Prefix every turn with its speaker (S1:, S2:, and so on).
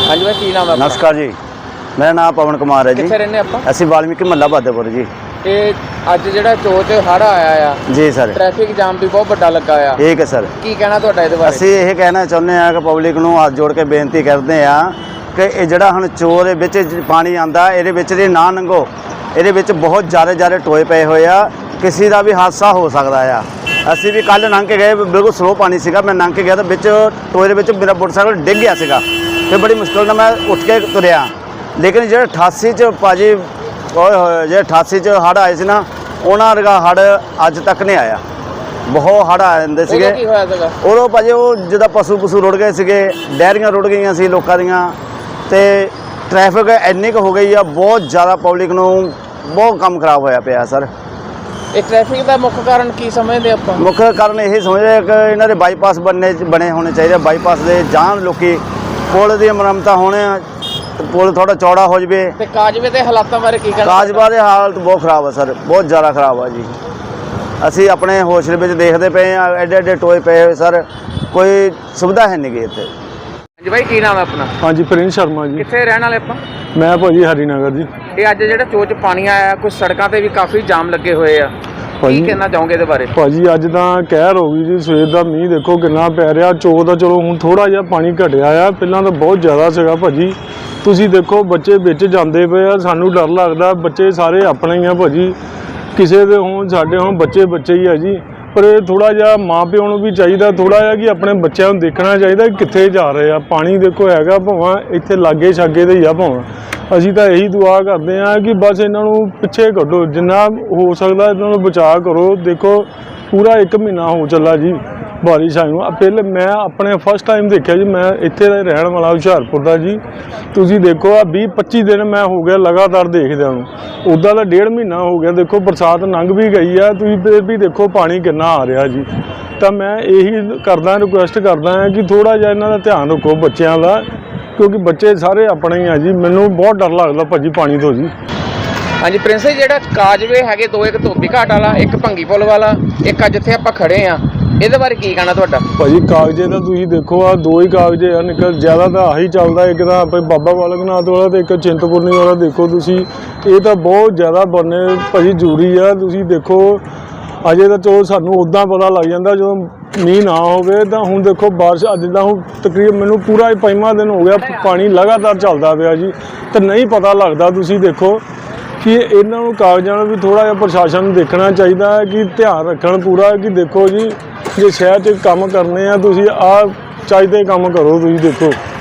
S1: हाँ जी भाई, की नाम है?
S2: नमस्कार जी, मेरा नाम पवन कुमार है जी।
S1: कित्थे रहने आपां?
S2: ਅਸੀਂ ਵਾਲਮੀਕੀ ਮਹੱਲਾ ਬਾਦੇਪੁਰ ਜੀ।
S1: ਇਹ ਅੱਜ ਜਿਹੜਾ ਚੋਚ ਹੜ ਆਇਆ ਆ
S2: ਜੀ ਸਰ,
S1: ਟ੍ਰੈਫਿਕ ਜਾਮ ਵੀ ਬਹੁਤ ਵੱਡਾ ਲੱਗਾ ਆ,
S2: ਠੀਕ ਹੈ ਸਰ।
S1: ਕੀ ਕਹਿਣਾ ਤੁਹਾਡਾ ਇਹਦੇ ਬਾਰੇ?
S2: ਅਸੀਂ ਇਹ ਕਹਿਣਾ ਚਾਹੁੰਦੇ ਹਾਂ ਕਿ ਪਬਲਿਕ ਨੂੰ ਹੱਥ ਜੋੜ ਕੇ ਬੇਨਤੀ ਕਰਦੇ ਹਾਂ ਕਿ ਇਹ ਜਿਹੜਾ ਹੁਣ ਚੋਰ ਦੇ ਵਿੱਚ ਪਾਣੀ ਆਂਦਾ ਇਹਦੇ ਵਿੱਚ ਦੀ ਨਾ ਲੰਘੋ। ਇਹਦੇ ਵਿੱਚ ਬਹੁਤ ਜ਼ਿਆਦਾ ਟੋਏ ਪਏ ਹੋਏ ਆ, ਕਿਸੇ ਦਾ ਵੀ ਹਾਦਸਾ ਹੋ ਸਕਦਾ ਆ। ਅਸੀਂ ਵੀ ਕੱਲ ਲੰਘ ਕੇ ਗਏ, ਬਿਲਕੁਲ ਸਲੋ ਪਾਣੀ ਸੀਗਾ। ਮੈਂ ਲੰਘ ਕੇ ਗਿਆ ਤਾਂ ਵਿੱਚ ਟੋਏ ਦੇ ਵਿੱਚ ਮੇਰਾ ਮੋਟਰਸਾਈਕਲ ਡਿੱਗ ਗਿਆ ਸੀਗਾ ਤੇ ਬੜੀ ਮੁਸ਼ਕਿਲ ਨਾਲ ਮੈਂ ਉੱਠ ਕੇ ਤੁਰਿਆ। ਲੇਕਿਨ ਜਿਹੜੇ 88 ਚ ਭਾਜੀ ਜਿਹੜੇ 88 ਚ ਹੜ੍ਹ ਆਏ ਸੀ ਨਾ, ਉਹਨਾਂ ਵਰਗਾ ਹੜ੍ਹ ਅੱਜ ਤੱਕ ਨਹੀਂ ਆਇਆ। ਬਹੁਤ ਹੜ੍ਹ ਆ ਜਾਂਦੇ ਸੀਗੇ।
S1: ਕੀ ਹੋਇਆ ਸੀਗਾ
S2: ਉਦੋਂ ਭਾਜੀ ਉਹ ਜਿੱਦਾਂ ਪਸ਼ੂ ਰੁੜ ਗਏ ਸੀਗੇ, ਡੈਰੀਆਂ ਰੁੜ ਗਈਆਂ ਸੀ ਲੋਕਾਂ ਦੀਆਂ, ਤੇ ਟ੍ਰੈਫਿਕ ਇੰਨੀ ਕੁ ਹੋ ਗਈ ਆ, ਬਹੁਤ ਜ਼ਿਆਦਾ ਪਬਲਿਕ ਨੂੰ ਬਹੁਤ ਕੰਮ ਖਰਾਬ ਹੋਇਆ ਪਿਆ ਸਰ।
S1: ਇਹ ਟ੍ਰੈਫਿਕ ਦਾ ਮੁੱਖ ਕਾਰਨ ਕੀ ਸਮਝਦੇ ਆਪਾਂ?
S2: ਮੁੱਖ ਕਾਰਨ ਇਹ ਸਮਝਦੇ ਕਿ ਇਹਨਾਂ ਦੇ ਬਾਈਪਾਸ ਬਣੇ ਹੋਣੇ ਚਾਹੀਦੇ। ਬਾਈਪਾਸ ਦੇ ਜਾਣ ਲੋਕੀ, ਪੁਲ ਦੀ ਮੁਰੰਮਤਾਂ ਹੋਣੇ, ਪੁਲ ਥੋੜਾ ਚੌੜਾ ਹੋ ਜਵੇ।
S1: ਤੇ ਕਾਜਵੇ ਦੇ ਹਾਲਾਤਾਂ ਬਾਰੇ ਕੀ ਕਹਿਣਾ?
S2: ਕਾਜਵਾ ਦੇ ਹਾਲਤ ਬਹੁਤ ਖਰਾਬ ਆ ਸਰ, ਬਹੁਤ ਜ਼ਿਆਦਾ ਖਰਾਬ ਆ ਜੀ। ਅਸੀਂ ਆਪਣੇ ਹੋਸ਼ ਦੇ ਵਿੱਚ ਦੇਖਦੇ ਪਏ ਆ, ਐਡੇ ਟੋਏ ਪਏ ਹੋਏ ਸਰ, ਕੋਈ ਸੁਵਿਧਾ ਹੈ ਨਹੀਂ ਗੀ ਇੱਥੇ।
S1: ਹਾਂਜੀ ਭਾਈ, ਕੀ ਨਾਮ ਹੈ ਆਪਣਾ?
S3: हाँ जी, प्रिंस शर्मा जी।
S1: ਕਿੱਥੇ ਰਹਿਣ ਵਾਲੇ ਆਪਾਂ?
S3: मैं भाजी हरिनगर जी।
S1: ਇਹ ਅੱਜ ਜਿਹੜਾ ਚੋਚ ਪਾਣੀ ਆਇਆ, ਕੁਝ ਸੜਕਾਂ ਤੇ ਵੀ ਕਾਫੀ ਜਾਮ ਲੱਗੇ ਹੋਏ ਆ, ਕੀ
S3: ਭਾਜੀ
S1: ਕਹਿਣਾ ਚਾਹੋਗੇ ਇਹਦੇ ਬਾਰੇ?
S3: ਭਾਜੀ ਅੱਜ ਤਾਂ ਕਹਿਰ ਹੋ ਗਈ ਜੀ। ਸਵੇਰ ਦਾ ਮੀਂਹ ਦੇਖੋ ਕਿੰਨਾ ਪੈ ਰਿਹਾ। ਚੋਕ ਦਾ ਚਲੋ ਹੁਣ ਥੋੜਾ ਜਿਹਾ ਪਾਣੀ ਘਟਿਆ ਆ, ਪਹਿਲਾਂ ਤਾਂ ਬਹੁਤ ਜ਼ਿਆਦਾ ਸੀਗਾ ਭਾਜੀ। ਤੁਸੀਂ ਦੇਖੋ ਬੱਚੇ ਵਿੱਚ ਜਾਂਦੇ ਪਏ ਆ, ਸਾਨੂੰ ਡਰ ਲੱਗਦਾ। ਬੱਚੇ ਸਾਰੇ ਆਪਣੇ ਹੀ ਆ ਭਾਜੀ, ਕਿਸੇ ਦੇ ਹੋਣ ਸਾਡੇ ਹੋਣ, ਬੱਚੇ ਹੀ ਆ ਜੀ। ਪਰ ਇਹ ਥੋੜਾ ਜਿਹਾ ਮਾਂ ਪਿਓ ਨੂੰ ਵੀ ਚਾਹੀਦਾ ਥੋੜਾ ਜਿਹਾ ਕਿ ਆਪਣੇ ਬੱਚਿਆਂ ਨੂੰ ਦੇਖਣਾ ਚਾਹੀਦਾ ਕਿੱਥੇ ਜਾ ਰਹੇ ਆ। ਪਾਣੀ ਦੇਖੋ ਹੈਗਾ ਭਾਵੇਂ ਇੱਥੇ ਲਾਗੇ ਛਾਗੇ ਦੇ ਹੀ ਆ ਭਾਵੇਂ। ਅਸੀਂ ਤਾਂ ਇਹੀ ਦੁਆ ਕਰਦੇ ਹਾਂ ਕਿ ਬਸ ਇਹਨਾਂ ਨੂੰ ਪਿੱਛੇ ਕੱਢੋ, ਜਿੰਨਾ ਹੋ ਸਕਦਾ ਇਹਨਾਂ ਨੂੰ ਬਚਾਅ ਕਰੋ। ਦੇਖੋ ਪੂਰਾ 1 ਮਹੀਨਾ ਹੋ ਚੱਲਾ ਜੀ ਬਾਰਿਸ਼ ਆਈ ਨੂੰ। ਪਹਿਲੇ ਮੈਂ ਆਪਣੇ ਫਸਟ ਟਾਈਮ ਦੇਖਿਆ ਜੀ, ਮੈਂ ਇੱਥੇ ਦਾ ਰਹਿਣ ਵਾਲਾ ਹੁਸ਼ਿਆਰਪੁਰ ਦਾ ਜੀ। ਤੁਸੀਂ ਦੇਖੋ ਆ 20-25 ਦਿਨ ਮੈਂ ਹੋ ਗਿਆ ਲਗਾਤਾਰ ਦੇਖਦਿਆਂ ਨੂੰ। ਉੱਦਾਂ ਦਾ 1.5 ਮਹੀਨਾ ਹੋ ਗਿਆ। ਦੇਖੋ ਬਰਸਾਤ ਲੰਘ ਵੀ ਗਈ ਆ, ਤੁਸੀਂ ਫਿਰ ਵੀ ਦੇਖੋ ਪਾਣੀ ਕਿੰਨਾ ਆ ਰਿਹਾ ਜੀ। ਤਾਂ ਮੈਂ ਇਹੀ ਕਰਦਾ, ਰਿਕੁਐਸਟ ਕਰਦਾ ਹਾਂ ਕਿ ਥੋੜ੍ਹਾ ਜਿਹਾ ਇਹਨਾਂ ਦਾ ਧਿਆਨ ਰੱਖੋ ਬੱਚਿਆਂ ਦਾ, ਕਿਉਂਕਿ ਬੱਚੇ ਸਾਰੇ ਆਪਣੇ ਹੀ ਆ ਜੀ। ਮੈਨੂੰ ਬਹੁਤ ਡਰ ਲੱਗਦਾ ਭਾਜੀ ਪਾਣੀ ਤੋਂ ਜੀ।
S1: ਹਾਂਜੀ ਪ੍ਰਿੰਸ, ਜਿਹੜਾ ਕਾਜਵੇ ਹੈਗੇ ਦੋ, ਇੱਕ ਧੋਬੀ ਘਾਟ ਵਾਲਾ, ਇੱਕ ਭੰਗੀ ਪੁੱਲ ਵਾਲਾ, ਇੱਕ ਅੱਜ ਜਿੱਥੇ ਆਪਾਂ ਖੜੇ ਆ, ਇਹਦੇ ਬਾਰੇ ਕੀ ਕਹਿਣਾ ਤੁਹਾਡਾ?
S3: ਭਾਜੀ ਕਾਗਜ਼ੇ ਤਾਂ ਤੁਸੀਂ ਦੇਖੋ ਆ 2 ਹੀ ਕਾਗਜ਼ੇ ਆ, ਨਿਕਲ ਜ਼ਿਆਦਾ ਤਾਂ ਆਹੀ ਚੱਲਦਾ। ਇੱਕ ਤਾਂ ਆਪਣੇ ਬਾਬਾ ਬਾਲਕ ਨਾਥ ਵਾਲਾ ਤੇ ਇੱਕ ਚਿੰਤਪੁਰਨੀ ਵਾਲਾ। ਦੇਖੋ ਤੁਸੀਂ ਇਹ ਤਾਂ ਬਹੁਤ ਜ਼ਿਆਦਾ ਬਣਨੇ ਭਾਜੀ ਜ਼ਰੂਰੀ ਆ। ਤੁਸੀਂ ਦੇਖੋ ਅਜੇ ਤਾਂ ਚਲੋ ਸਾਨੂੰ ਉੱਦਾਂ ਪਤਾ ਲੱਗ ਜਾਂਦਾ ਜਦੋਂ ਮੀਂਹ ਨਾ ਹੋਵੇ। ਤਾਂ ਹੁਣ ਦੇਖੋ ਬਾਰਿਸ਼ ਅੱਜ ਦਾ ਹੁਣ ਤਕਰੀਬਨ ਮੈਨੂੰ ਪੂਰਾ 5ਵਾਂ ਦਿਨ ਹੋ ਗਿਆ, ਪਾਣੀ ਲਗਾਤਾਰ ਚੱਲਦਾ ਪਿਆ ਜੀ, ਤੇ ਨਹੀਂ ਪਤਾ ਲੱਗਦਾ। ਤੁਸੀਂ ਦੇਖੋ ਕਿ ਇਹਨਾਂ ਨੂੰ ਕਾਗਜ਼ਾਂ ਨੂੰ ਵੀ ਥੋੜ੍ਹਾ ਜਿਹਾ ਪ੍ਰਸ਼ਾਸਨ ਨੂੰ ਦੇਖਣਾ ਚਾਹੀਦਾ ਹੈ ਕਿ ਧਿਆਨ ਰੱਖਣ ਪੂਰਾ ਕਿ ਦੇਖੋ ਜੀ ਜੇ ਸ਼ਹਿਰ 'ਚ ਕੰਮ ਕਰਨੇ ਆ ਤੁਸੀਂ ਆਹ ਚਾਹੀਦੇ ਕੰਮ ਕਰੋ। ਤੁਸੀਂ ਦੇਖੋ